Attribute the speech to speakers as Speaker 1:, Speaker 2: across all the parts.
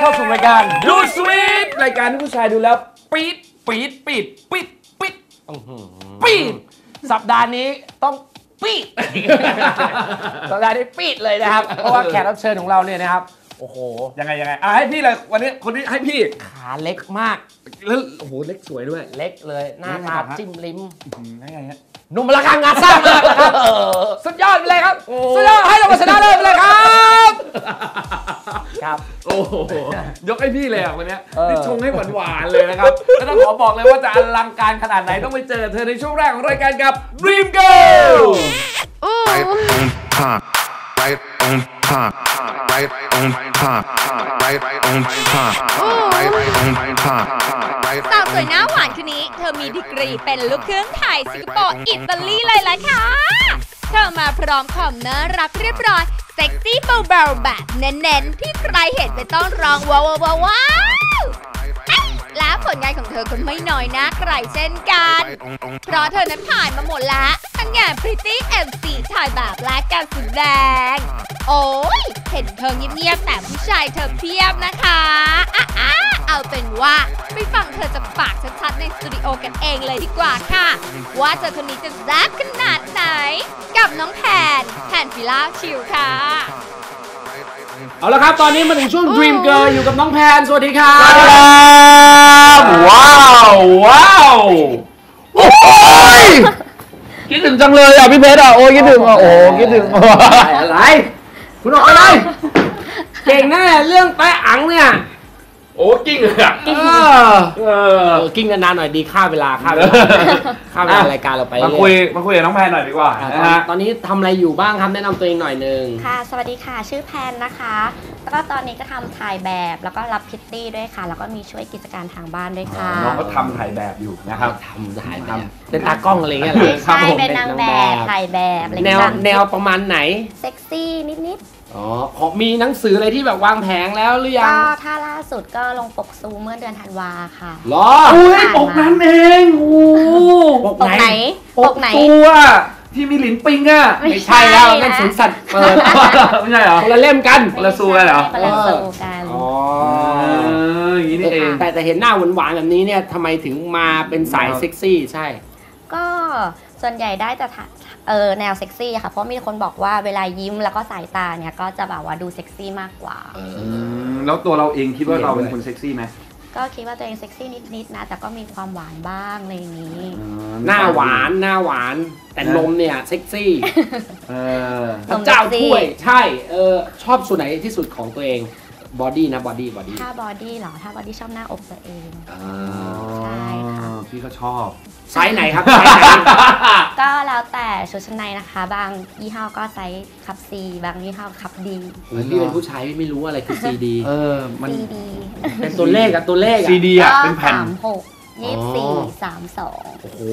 Speaker 1: เข้าสู่รายการดูสวีทรายการที่ผู้ชายดูแล้วปี๊ดปี๊ดปี๊ดปี๊ดปี๊ดปี๊ดสัปดาห์นี้ต้องปี๊ดสัปดาห์นี้ปี๊ดเลยนะครับเพราะว่าแขกรับเชิญของเราเนี่ยนะครับโอ้โห
Speaker 2: ยังไงให้พี่เลยวันนี้คนนี้ให้พี่
Speaker 1: ขาเล็กมาก
Speaker 2: แล้วโอ้โหเล็กสวยด้วย
Speaker 1: เล็กเลยหน้าตาจิ้มลิ้ม
Speaker 2: ยังไงฮะ
Speaker 1: หนุ่มราคางานสร้างมากนะครับสุดยอดไปเลยครับสุดยอดให้เราชนะเลิศเลยครับครับ
Speaker 2: โอ้โหยกให้พี่เลยวันนี้นี่ชงให้หวานๆเลยนะครับแล้วต้องขอบอกเลยว่าจะอลังการขนาดไหนต้องไปเจอเธอในช่วงแรกของรายการกับ Dream Girl
Speaker 3: Right on time, right on time, right on time, right on time,
Speaker 4: สาวสวยหน้าหวานคนนี้เธอมีดีกรีเป็นลูกครึ่งไทยสิงคโปร์อิตาลีเลยล่ะค่ะเธอมาพร้อมความน่ารักเรียบร้อยเซ็กซี่เบาๆแบบเน้นๆที่ใครเห็นไปต้องร้องว้าวและผลงานของเธอก็ไม่น้อยหน้าใครเช่นกันเพราะเธอนั้นผ่านมาหมดแล้วทั้งงาน Pretty MC ถ่ายแบบและการแสดงโอ้ยเห็นเธอเงียบๆแต่ผู้ชายเธอเพียบนะคะเอาเป็นว่าไปฟังเธอจะฝากชัดๆในสตูดิโอกันเองเลยดีกว่าค่ะว่าเธอคนนี้จะแซ่บขนาดไหนกับน้องแพนฟิล่าชิลค่ะ
Speaker 1: เอาละครับตอนนี้มาถึงช่วง Dream Girl อยู่กับน้องแพนสวัสดีครับ
Speaker 2: สวัสดีครับว้าวโอ้ยคิดถึงจังเลยอ่ะพี่เพชรอ่ะโอ้ยคิดถึงอ่ะโอ้คิดถึง
Speaker 1: อะไรคุณออกไปเลยเก่งแน่เรื่องแปะอังเนี่ย
Speaker 2: โอ้กิ้งเลยอ่ะ
Speaker 1: กิ้งนานๆหน่อยดีค่าเวลารายการเราไป
Speaker 2: มาคุยกับน้องแพนหน่อยดีกว่า
Speaker 1: ตอนนี้ทำอะไรอยู่บ้างครับแนะนำตัวเองหน่อยนึง
Speaker 5: ค่ะสวัสดีค่ะชื่อแพนนะคะแล้วก็ตอนนี้ก็ทำถ่ายแบบแล้วก็รับพิตตี้ด้วยค่ะแล้วก็มีช่วยกิจการทางบ้านด้วยค่ะ
Speaker 2: น้องก็ทำถ่ายแบบอยู่นะครับ
Speaker 1: ทำถ่ายแบบเป็นตากล้องอะไรเงี้ย
Speaker 5: ใช่เป็นนางแบบถ่ายแบบอะไร
Speaker 1: แนวประมาณไหน
Speaker 5: เซ็กซี่นิด
Speaker 1: อ๋อมีหนังสืออะไรที่แบบวางแผงแล้วหรือยัง
Speaker 5: ก็ถ้าล่าสุดก็ลงปกซูเมื่อเดือนธันวาค่ะ
Speaker 1: หรอ
Speaker 2: อุ้ยปกนั้นเองโอ้
Speaker 5: ปกไหน
Speaker 2: ตัวที่มีหลินปิงอ่ะ
Speaker 1: ไม่ใช่แล้วนั่นสวนสัตว์เปิด
Speaker 2: ไม่ใช่เหรอ
Speaker 1: คนละเล่มกัน
Speaker 2: คนละซูกันเหรอ
Speaker 5: คนละซูกัน
Speaker 1: อ๋อ
Speaker 2: อย่างนี้นี่เอง
Speaker 1: แต่เห็นหน้าหวานๆแบบนี้เนี่ยทำไมถึงมาเป็นสายเซ็กซี่ใช่
Speaker 5: ก็ส่วนใหญ่ได้แต่แนวเซ็กซี่ค่ะเพราะมีคนบอกว่าเวลายิ้มแล้วก็สายตาเนี่ยก็จะแบบว่าดูเซ็กซี่มากกว่า
Speaker 2: แล้วตัวเราเองคิดว่าเราเป็นคนเซ็กซี่ไหม
Speaker 5: ก็คิดว่าตัวเองเซ็กซี่นิดๆนะแต่ก็มีความหวานบ้างอะไรอย่างนี้
Speaker 1: หน้าหวานแต่นมเนี่ยเซ็กซี่พระเจ้าช่วยใช่ชอบส่วนไหนที่สุดของตัวเองบอดี้นะบอดี้
Speaker 5: ถ้าบอดี้เหรอถ้าบอดี้ชอบหน้าอกตัวเองใช่ค่ะ
Speaker 2: พี่ก็ชอบ
Speaker 1: ไซส์ไหนครับ
Speaker 5: ก็แล้วแต่ชุดชั้นในนะคะบางยี่ห้อก็ไซส์คับ C บางยี่ห้อคับ D
Speaker 1: พี่เป็นผู้ชายไม่รู้อะไรคือ CD
Speaker 5: มัน CD
Speaker 1: เป็นตัวเลขอะตัวเลข
Speaker 2: CD อะเป็นแผ่น
Speaker 5: 36 24 32
Speaker 2: โอ้โห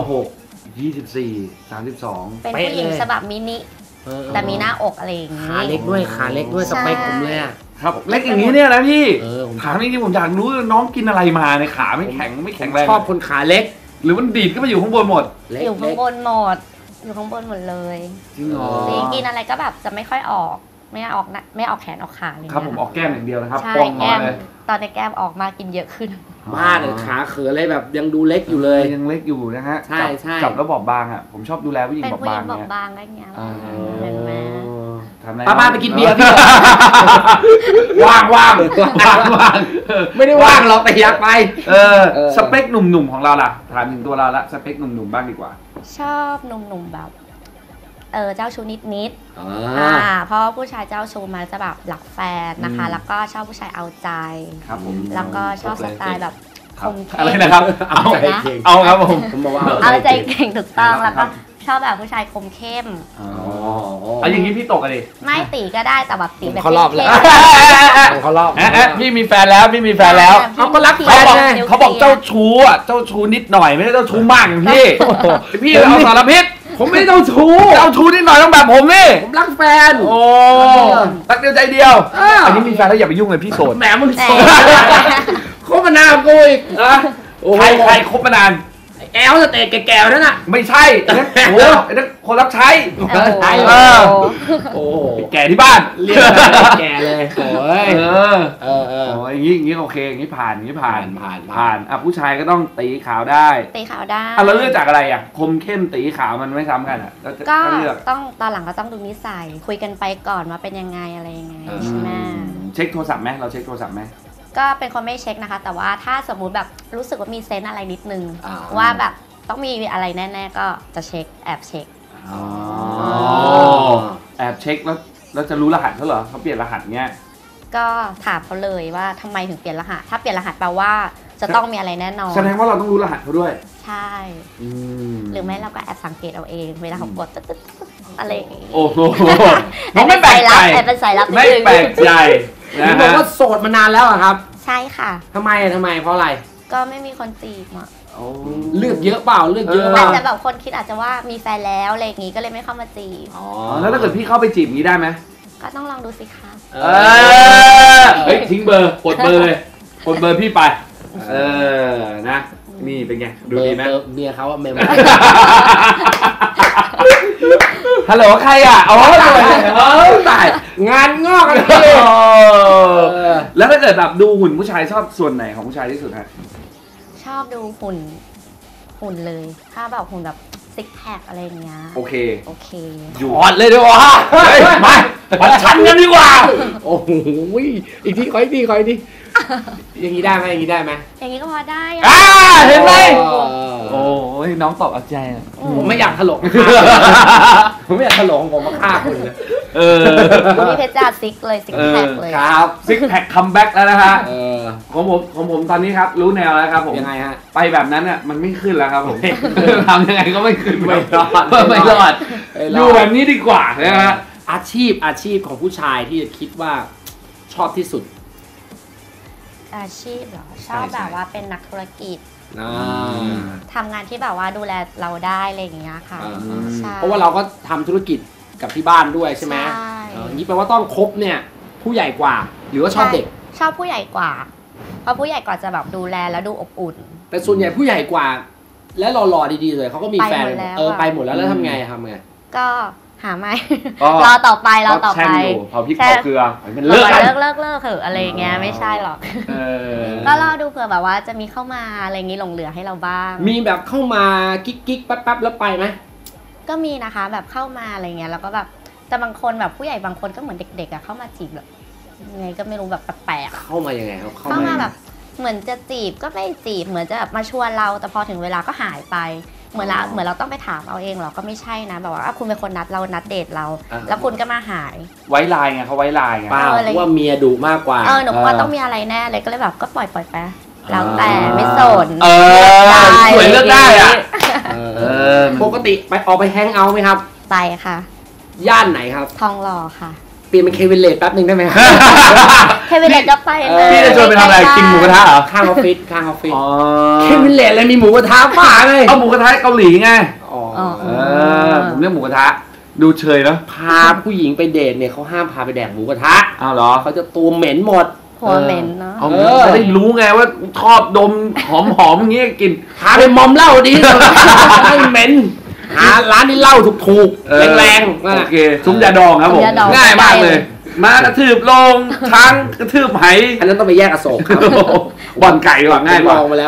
Speaker 2: 24 32
Speaker 5: เป็นผู้หญิงฉบับมินิแต่มีหน้าอกอะไรอย่างงี้
Speaker 1: ขาเล็กด้วยสเปคผมเลยอะ
Speaker 2: ครับเล็กอย่างนี้เนี่ยนะพี่ถามจริงๆผมอยากรู้น้องกินอะไรมาในขาไม่แข็งแรง
Speaker 1: ชอบคนขาเล็ก
Speaker 2: หรือมันดีดก็ไปอยู่ข้างบนหมด
Speaker 5: อยู่ข้างบนหมดเลย
Speaker 2: จริงเหรอ
Speaker 5: กินอะไรก็แบบจะไม่ค่อยออกไม่ออกแขนออกขาเลย
Speaker 2: ครับผมออกแก้มอย่างเดียวนะครับ
Speaker 5: ใช่แก้มตอนในแก้มออกมากินเยอะขึ้น
Speaker 1: บ้าเลยขาเขืออะไรแบบยังดูเล็กอยู่เลย
Speaker 2: ยังเล็กอยู่นะฮะ
Speaker 1: ใช่
Speaker 2: จับแล้วบอบบางอ่ะผมชอบดูแลผู้หญิงบอบบาง
Speaker 5: เนี่ยบางอะไรเงี้ยเห็นไหม
Speaker 1: ป้าไปกินเบียร์พี่ว่างไม่ได้ว่างหรอกแต่อยากไป
Speaker 2: สเปคหนุ่มๆของเราล่ะถามถึงตัวเราละสเปคหนุ่มๆบ้างดีกว่า
Speaker 5: ชอบหนุ่มๆแบบเจ้าชู้นิดเพราะผู้ชายเจ้าชู้มาจะแบบหลักแฟนนะคะแล้วก็ชอบผู้ชายเอาใจ
Speaker 2: ครับผม
Speaker 5: แล้วก็ชอบสไตล์แบบคมเข้ม
Speaker 2: อะไรนะครับเอาครับผม
Speaker 5: บอกว่าเอาใจเก่งถูกต้องแล้วก็ชอบแบบผู้ชายคมเข้ม
Speaker 2: อย่างนี้พี่ตกอะไร
Speaker 5: ไม่ตีก็ได้แต่แบบตีแบบ
Speaker 1: เขารอบแล้วเขารอบ
Speaker 2: พี่มีแฟนแล้ว
Speaker 1: เขาก็รักแฟน
Speaker 2: เขาบอกเจ้าชู้อ่ะเจ้าชู้นิดหน่อยไม่ได้เจ้าชู้มากอย่างพี่เอาสารพิษ
Speaker 1: ผมไม่เจ้าชู้
Speaker 2: นิดหน่อยต้องแบบผมนี่
Speaker 1: ผมรักแฟน
Speaker 2: โอ้รักเดียวใจเดียวอันนี้มีแฟนแล้วอย่าไปยุ่งเลยพี่โสด
Speaker 1: แหมมึงโสดคบมานานกูอีก
Speaker 2: ใครคบมานาน
Speaker 6: แอลสเตจแก่ๆนั่นน่ะ
Speaker 2: ไม่ใช่ไอ้นั่นโอ้โหไอ้นั่นคนรับใช้
Speaker 6: ใช่
Speaker 2: เออ
Speaker 6: โอ้โห
Speaker 2: แก่ที่บ้าน
Speaker 6: เรียกอะไรแก่เลยโอ้ย
Speaker 2: เออ
Speaker 6: เออ
Speaker 2: โอ้ยอย่างงี้โอเคอย่างงี้ผ่านอย่างงี้ผ่าน
Speaker 6: ผ่าน
Speaker 2: อ่ะผู้ชายก็ต้องตีขาวได้
Speaker 5: ตีขาวได้
Speaker 2: อ่ะเราเลือกจากอะไรอ่ะคมเข้มตีขาวมันไม่ซ้ำกันอ่ะแล้วจะ
Speaker 5: ก็
Speaker 2: เลือก
Speaker 5: ต้องตอนหลังก็ต้องดูนิสัยคุยกันไปก่อนว่าเป็นยังไงอะไรยังไงใช่ไหม
Speaker 2: เช็คโทรศัพท์ไหมเราเช็คโทรศัพท์ไหม
Speaker 5: ก็เป็นคนไม่เช็คนะคะ แต่ว่าถ้าสมมุติแบบรู้สึกว่ามีเซนส์อะไรนิดนึง
Speaker 6: อ่า
Speaker 5: ว่าแบบต้องมีอะไรแน่ๆก็จะเช็คแอบเช็ค
Speaker 2: อ๋อแอบเช็คแล้วจะรู้รหัสเขาเหรอเขาเปลี่ยนรหัสเงี้ย
Speaker 5: ก็ถามเขาเลยว่าทำไมถึงเปลี่ยนรหัสถ้าเปลี่ยนรหัสแปลว่าจะต้องมีอะไรแน่นอน
Speaker 2: แสดงว่าเราต้องรู้รหัสเขาด้วย
Speaker 5: ใช่หรือไม่เราก็แอบสังเกตเอาเองเวลาเขากดตึ๊ดๆอะไรอย่างงี้
Speaker 2: โอ้โห
Speaker 5: แอบเป็นสายลับแอบเป็นสายลับนิด
Speaker 2: ไม่
Speaker 5: นึง
Speaker 2: แปลกใจ
Speaker 6: เห็
Speaker 2: นะ
Speaker 6: นบอก
Speaker 2: ฮะ
Speaker 6: ว่าโสดมานานแล้วอะครับ
Speaker 5: ใช่ค่ะ
Speaker 6: ทำไมเพราะอะไร
Speaker 5: ก็ไม่มีคนจีบอ่ะ
Speaker 6: เลือกเยอะเปล่าเลือกเยอะเป
Speaker 5: อา
Speaker 6: ล่า
Speaker 5: จจะแบบคนคิดอาจจะว่ามีแฟนแล้วอะไรอย่างงี้ก็เลยไม่เข้ามาจีบ
Speaker 6: อ๋อ
Speaker 2: แล้วถ้าเกิดพี่เข้าไปจีบงี้ได้ไหม
Speaker 5: ก็ต้องลองดูสิคะ
Speaker 2: เฮ้ยทิ้งเบอร์กดเบอร์เลยกดเบอร์พี่ไปนะนี่เป็นไงดูดีไหม
Speaker 6: เมียเขาอะเมม
Speaker 2: ฮัลโหลใครอ่ะอ๋อตาย
Speaker 6: งานงอกกันเลย
Speaker 2: แล้วถ้าเกิดแบบดูหุ่นผู้ชายชอบส่วนไหนของผู้ชายที่สุดฮะ
Speaker 5: ชอบดูหุ่นเลยถ้าแบบหุ่นแบบซิกแพคอะไรอย่างเงี้ย
Speaker 2: โอเค
Speaker 5: โอเค
Speaker 2: อยู่
Speaker 6: ถอดเลยดีกว่า
Speaker 2: มาวัดชั้นกันดีกว่า
Speaker 6: โอ้โหอีกทีขออีกทีอย่างนี้ได้ไหมอย่างนี้ได้ไหม
Speaker 5: อย่างงี้ก็พอได้อะ
Speaker 2: เห็นไหม
Speaker 6: โอ้
Speaker 2: โอ้ยน้องตอบเอาใจอะ
Speaker 6: ผมไม่อยากถลกผมไม่อยากถลงผมมาฆ่าคุณเลย
Speaker 5: วันนี้เพชรจ้าซิกเลยซิกแพคเลย
Speaker 6: ครับ
Speaker 2: ซิกแพคคัมแบ็กแล้วนะฮะ
Speaker 6: เออ
Speaker 2: ของผมตอนนี้ครับรู้แนวแล้วครับผม
Speaker 6: ยังไงฮะ
Speaker 2: ไปแบบนั้นอ่ะมันไม่ขึ้นแล้วครับผมทำยังไงก็ไม่ขึ้น
Speaker 6: ไม่รอด
Speaker 2: ไม่รอดอยู่แบบนี้ดีกว่านะฮะ
Speaker 6: อาชีพของผู้ชายที่คิดว่าชอบที่สุด
Speaker 5: อาชีพเหรอชอบแบบว่าเป็นนักธุรกิจ
Speaker 6: อ่า
Speaker 5: ทำงานที่แบบว่าดูแลเราได้อะไรอย่างเงี้ยค่ะใช่
Speaker 6: เพราะว่าเราก็ทำธุรกิจกับที่บ้านด้วยใช่ไหม
Speaker 5: ใช่
Speaker 6: อย่างนี้แปลว่าต้องคบเนี่ยผู้ใหญ่กว่า หรือว่าชอบเด็ก
Speaker 5: ชอบผู้ใหญ่กว่า เพราะผู้ใหญ่กว่าจะแบบดูแลแล้วดูอบอุ่น
Speaker 6: แต่ส่วนใหญ่ผู้ใหญ่กว่า และหล่อๆดีๆเลยเขาก็มีแฟน
Speaker 5: ไปหมดแล้ว
Speaker 6: ไปหมดแล้วทำไง
Speaker 5: ก็หาไม่
Speaker 2: ก็
Speaker 5: รอต่อไปรอต่อ
Speaker 2: แช่
Speaker 5: ไป
Speaker 2: งอยู่เผาพริกเผาเกลือมัน
Speaker 5: เลิ
Speaker 2: เลิกกัน
Speaker 5: เลิกเถอะอะไรอย่างเงี้ยไม่ใช่หรอก
Speaker 2: เออ
Speaker 5: ก็รอดูเผื่อแบบว่าจะมีเข้ามาอะไรอย่างงี้หลงเหลือให้เราบ้าง
Speaker 6: มีแบบเข้ามากิ๊กๆแป๊บๆแล้วไปไหม
Speaker 5: ก็มีนะคะแบบเข้ามาอะไรเงี้ยแล้วก็แบบแต่บางคนแบบผู้ใหญ่บางคนก็เหมือนเด็กๆอะเข้ามาจีบแบบยังไงก็ไม่รู้แบบแปลกๆอะ
Speaker 6: เข้ามายังไงครับ
Speaker 5: เข้ามาแบบเหมือนจะจีบก็ไม่จีบเหมือนจะแบบมาชวนเราแต่พอถึงเวลาก็หายไปเหมือนเราต้องไปถามเอาเองเหรอก็ไม่ใช่นะแบบว่าคุณเป็นคนนัดเรานัดเดทเรา แล้วคุณก็มาหาย
Speaker 2: ไว้ลายไงเขาไว้ลายไง
Speaker 6: เปล่าเพราะว่าเมียดุมากกว่า
Speaker 5: หนูว่าต้องมีอะไรแน่เลยก็เลยแบบก็ปล่อยไปแล้วแต่ไม่สน
Speaker 2: สวยเลือกได้อ่ะ
Speaker 6: ปกติไปออกไปแฮงเอาท์ไหมครับ
Speaker 5: ไปค่ะ
Speaker 6: ย่านไหนครับ
Speaker 5: ทองหล่อค่ะ
Speaker 6: เปลี่ยนเป็นเควินเลดแป๊บหนึ่งได้ไหมครับ
Speaker 5: เควินเลตก็ไปนะ
Speaker 2: พี่จะชวนไปทำอะไรกินหมูกระทะเหรอ
Speaker 6: ข้างออฟฟิศ
Speaker 2: อ๋อ
Speaker 6: เควินเลดเลยมีหมูกระทะป่าเลย
Speaker 2: เอาหมูกระทะเกาหลีไง
Speaker 6: อ๋อ
Speaker 2: ผมเรียกหมูกระทะดูเชยนะ
Speaker 6: พาผู้หญิงไปเดทเนี่ยเขาห้ามพาไปแดกหมูกระทะ
Speaker 2: อ้าวเหรอ
Speaker 6: เขาจะตัวเหม็นหมด
Speaker 5: หัวเหม็นเนาะ
Speaker 2: เอาจะได้รู้ไงว่าชอบดมหอมๆอย่างเงี้ยกิน
Speaker 6: พาไปมอมเหล้าดีไม่เหม็นหาร้านที่เหล้าถูกๆแรงๆนั่น
Speaker 2: โอ
Speaker 6: แหละ
Speaker 2: เคซุ้มยาดองครับผม
Speaker 5: ซุ้มยาดอง
Speaker 2: ง่ายมากเลย มากระทืบลงช้างกระทืบไห
Speaker 6: อันนั้นต้องไปแยกอโศกครับ
Speaker 2: บ่อนไก่ดีกว่าง่ายกว่า
Speaker 6: ผมลองมาแล้ว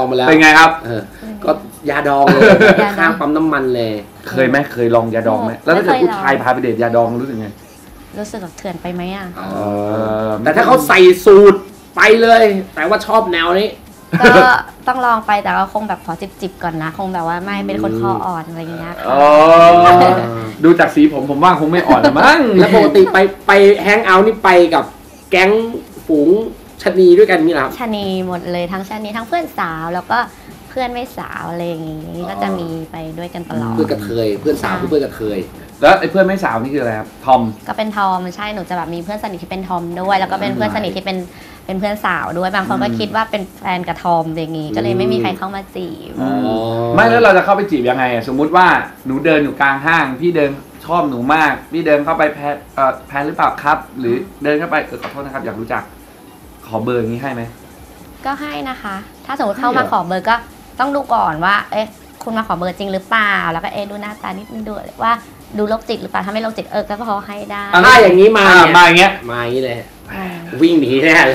Speaker 2: เป็นไงครับ
Speaker 6: ก็ยาดองเลยข้างปั๊มน้ำมันเลย
Speaker 2: เคยไหมเคยลองยาดองไหมแล้วถ้าเกิดผู้ชายพาไปเดทยาดองรู้สึกไง
Speaker 5: รู้สึกแบบเถื่อนไปไหมอ่ะ
Speaker 6: แต่ถ้าเขาใส่สูตรไปเลย แต่ว่าชอบแนวนี้
Speaker 5: ก็ต้องลองไปแต่ก็คงแบบขอจิบก่อนนะ คงแบบว่าไม่เป็นคนคออ่อนอะไรอย่างเงี้ยค่ะ
Speaker 2: ดูจากสีผมว่าคงไม่อ่อนละมั้ง
Speaker 6: แล้วปกติไปแฮงเอาท์นี่ไปกับแก๊งฝูงชะนีด้วยกันนี่แหละครับ
Speaker 5: ชะนีหมดเลยทั้งชะนีทั้งเพื่อนสาวแล้วก็เพื่อนไม่สาวอะไรอย่างงี้ก็จะมีไปด้วยกันตลอด
Speaker 6: เพื่อนกระเทยเพื่อนสาวคือเพื่อนกระเทย
Speaker 2: แล้วไอ้เพื่อนไม่สาวนี่คืออะไรครับทอม
Speaker 5: ก็เป็นทอมใช่หนูจะแบบมีเพื่อนสนิทที่เป็นทอมด้วย แล้วก็เป็นเพื่อนสนิทที่เป็นเพื่อนสาวด้วยบางคนก็คิดว่าเป็นแฟนกับทอมอย่างงี้ก็เลยไม่มีใครเข้ามาจีบ
Speaker 2: ไม่แล้วเราจะเข้าไปจีบยังไงอะสมมุติว่าหนูเดินอยู่กลางห้างพี่เดินชอบหนูมากพี่เดินเข้าไปแพนหรือเปล่าครับ หรือเดินเข้าไปขอโทษนะครับอยากรู้จักขอเบอร์อย่างนี้ให้ไหม
Speaker 5: ก็ให้นะคะ ถ้าสมมติเข้ามาขอเบอร์ก็ต้องดูก่อนว่าเอ๊ะคุณมาขอเบอร์จริงหรือเปล่าแล้วก็ดูหน้าตานิดนึงดูว่าดูโรคจิตหรือเปล่าถ้าไม่โรคจิตก็พอให้ได้
Speaker 6: ถ้าอย่างนี้มา
Speaker 2: มาอย่างเงี้ย
Speaker 6: มาอย่างนี้เลยวิ่งหนีแน่เลย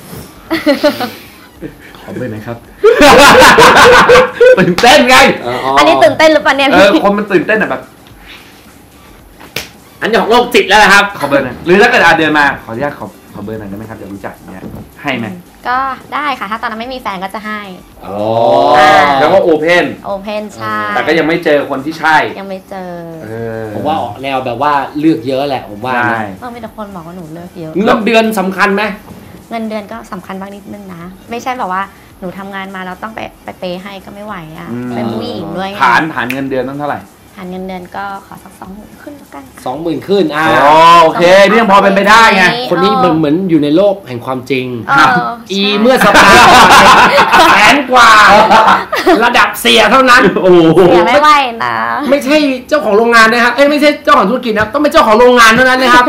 Speaker 2: ขอเบอร์หน่อยครับ ตื่นเต้นไง
Speaker 5: อันนี้ตื่นเต้นหรือเปล่าเนี่ยพี่
Speaker 2: คนมันตื่นเต้นอะแบบ
Speaker 6: อันนี้ของโรคจิตแล้วนะครับ
Speaker 2: ขอเบอร์หน่อยหรือถ้าเกิดเดินมาขออนุญาตขอเบอร์หน่อยได้ไหมครับเดี๋ยวรู้จักอย่างเงี้ยให้ไหม
Speaker 5: ก็ได้ค่ะถ้าตอนนั้นไม่มีแฟนก็จะให้
Speaker 2: อ๋อแล้วก็โอเพน
Speaker 5: โอเพนใช่
Speaker 2: แต่ก็ยังไม่เจอคนที่ใช่
Speaker 5: ยังไม่เจอ
Speaker 6: ผมว่าออกแนวแบบว่าเลือกเยอะแหละผมว่า
Speaker 2: ใช่
Speaker 6: นะ
Speaker 5: มีแต่คนบอกว่าหนูเลิกเยอะ
Speaker 6: เงินเดือนสำคัญไหม
Speaker 5: เงินเดือนก็สำคัญบ้างนิดนึงนะ ไม่ใช่แบบว่าหนูทำงานมาแล้วต้องไปเปย์ให้ก็ไม่ไหวอ่ะเป็นผู้หญิงด้วยไง
Speaker 2: ฐานเงินเดือนต้องเท่าไหร่
Speaker 5: ฐานเงินเดือนก็ขอสัก20,000ขึ้นแล้วกัน
Speaker 6: 20,000ขึ้น
Speaker 2: โอเคนี่ยังพอเป็นไปได้ไง
Speaker 6: คนนี้เหมือนอยู่ในโลกแห่งความจริง
Speaker 5: ใช่
Speaker 6: เมื่อสัปดาห์ก่อนแสนกว่า ระดับเสียเท่านั้น
Speaker 2: โอ้โห
Speaker 5: เสียไม่ไหวนะ
Speaker 6: ไม่ใช่เจ้าของโรงงานนะครับไม่ใช่เจ้าของธุรกิจนะต้องเป็นเจ้าของโรงงานเท่านั้นนะครับ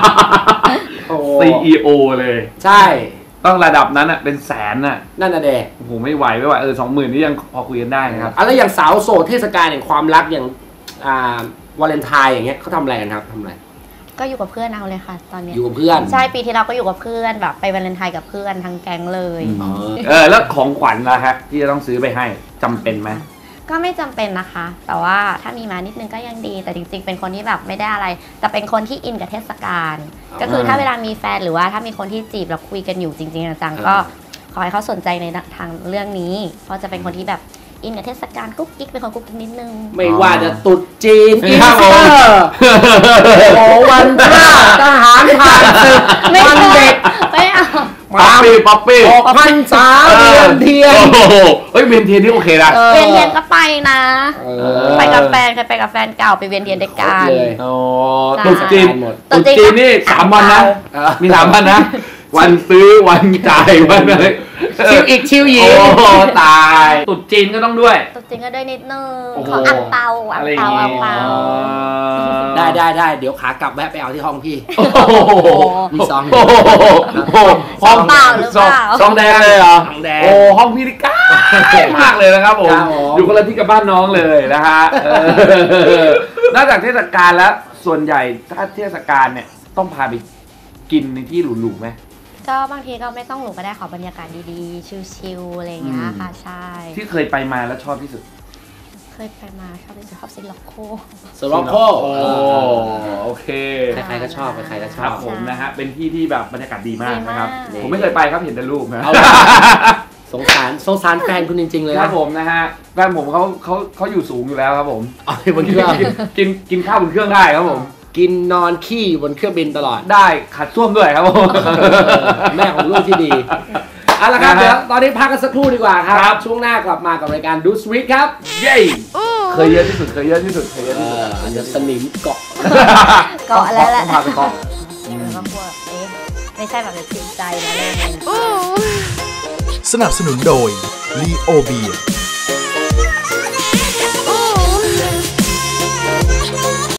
Speaker 2: CEO เลย
Speaker 6: ใช่
Speaker 2: ต้องระดับนั้นอ่ะเป็นแสนอ่ะ
Speaker 6: นั่นน่ะเด
Speaker 2: โอ้โหไม่ไหว20,000นี่ยังพอคุยกันได้นะครับ
Speaker 6: แล้วอย่างสาวโสดเทศกาลแห่งความรักอย่างวาเลนไทน์อย่างเงี้ยเขาทำอะไรกันครับทำอะไร
Speaker 5: ก็อยู่กับเพื่อนเอาเลยค่ะ ตอนนี้
Speaker 6: อยู่กับเพื่อน
Speaker 5: ใช่ปีที่เราก็อยู่กับเพื่อนแบบไปวาเลนไทน์กับเพื่อนทั้งแก๊งเลย
Speaker 2: แล้วของขวัญล่ะฮะที่จะต้องซื้อไปให้จำเป็นไหม
Speaker 5: ก็ไม่จำเป็นนะคะ แต่ว่าถ้ามีมานิดนึงก็ยังดี แต่จริงๆ เป็นคนที่แบบไม่ได้อะไร แต่เป็นคนที่อินกับเทศกาล ก็คือถ้าเวลามีแฟนหรือว่าถ้ามีคนที่จีบแล้วคุยกันอยู่จริงๆจังๆก็ขอให้เขาสนใจในทางเรื่องนี้ เพราะจะเป็นคนที่แบบอินกับเทศกาลกุ๊กกิ๊กเป็นคนกุ๊กกิ๊กนิดนึง
Speaker 6: ไม่ว่าจะตรุษจีนอีส
Speaker 2: ครับ
Speaker 6: เต
Speaker 2: ผม
Speaker 6: อร์โอ้วันพระทหารผ่านศึก
Speaker 5: ไม่
Speaker 6: วัน
Speaker 5: เอา
Speaker 6: เด็ก
Speaker 5: ไม่เอา
Speaker 2: ป๊อปปี้
Speaker 6: ออกพรรษาเวียนเทียน
Speaker 2: โอ้โหเฮ้ยเวียนเทียนที่โอเคนะ
Speaker 5: เวียนเทียนก็ไปนะ
Speaker 6: อ
Speaker 5: ไปกับแฟนเคยไปกับแฟนเก่าไปเวียนเทียนด้วยกัน
Speaker 6: เลย
Speaker 2: โอ้
Speaker 5: ใช่
Speaker 2: ตุ๊ดจีน
Speaker 6: หมด
Speaker 2: ตุ๊ดจีนนี่3 วันนะมี3 วันนะ วันซื้อวันจ่ายวันอะไร
Speaker 6: ชิวอีกชิวหญิ
Speaker 2: โอ้
Speaker 6: ง
Speaker 2: โหตายตุ๊ดจีนก็ต้องด้วย
Speaker 5: ตัวจริงก็ด้วยนิดนึง
Speaker 2: โอ้โห
Speaker 5: ขออังเปาอัง
Speaker 2: อะไรอย่า
Speaker 5: เปาง อั
Speaker 2: งี้
Speaker 5: งเปา
Speaker 6: ได้เดี๋ยวขากลับแวะไปเอาที่ห้องพี่
Speaker 2: โอ้โห
Speaker 6: มีซอง
Speaker 2: โอ้โห
Speaker 5: ซองเปล่าหรือเปล่า
Speaker 2: ซองแดงเลยเหรอ
Speaker 6: ซองแดง
Speaker 2: โอ้ห้องพี่นี่ใกล้มากเลยนะครับผม
Speaker 6: ครับผม
Speaker 2: อยู่คนละที่กับบ้านน้องเลยนะฮะนอกจากเทศกาลแล้วส่วนใหญ่ถ้าเทศกาลเนี่ยต้องพาไปกินในที่หรูๆไหม
Speaker 5: ก็บางทีก็ไม่ต้องหรูก็ได้ขอบรรยากาศดีๆ ชิลๆอะไรอย่างเงี้ยค่ะใช่
Speaker 2: ที่เคยไปมาแล้วชอบที่สุด
Speaker 5: เคยไปมาชอบที่สุดชอบซิลล็อกโค
Speaker 6: สโลโค
Speaker 2: โอเค
Speaker 6: ใครๆก็ชอบใครๆก็ช
Speaker 2: ค
Speaker 6: อ
Speaker 2: รั
Speaker 6: บบ
Speaker 2: ผมนะฮะเป็นที่ที่แบบบรรยากาศดีมากนะครับ
Speaker 5: ดีมาก
Speaker 2: ผมไม่เคยไปครับเห็นแต่รูปนะ
Speaker 6: เอาสงสารแฟนคุณจริงๆเลย
Speaker 2: ค
Speaker 6: นะ
Speaker 2: รับผมนะฮะแฟนผมเขาอยู่สูงอยู่แล้วครับผม
Speaker 6: เอาไปบนเครื่อง
Speaker 2: กินข้าวบนเครื่องได้ครับผม
Speaker 6: กินนอนขี้บนเครื่องบินตลอด
Speaker 2: ได้ขัดส้วมด้วยครับผม
Speaker 6: แม่ของลูกที่ดีเอาละครับ
Speaker 2: นะฮะ
Speaker 6: เดี๋ยวตอนนี้พักกันสักครู่ดีกว่าค
Speaker 2: ครั
Speaker 6: รับ ช่วงหน้ากลับมากับรายการดูสวิตครับ
Speaker 2: เย้เคยเยอะที่สุดเคยเยอะที่สุดเคยเยอะที่สุด
Speaker 6: อาจจะสนิมเกาะ
Speaker 5: เกาะแล้วแหละ
Speaker 2: ต้องพาไปเกาะ
Speaker 5: ก็กลัวไม่ใช่แบบจริงใจนะเรื่องนี้
Speaker 7: สนับสนุนโดย ลีโอเบีย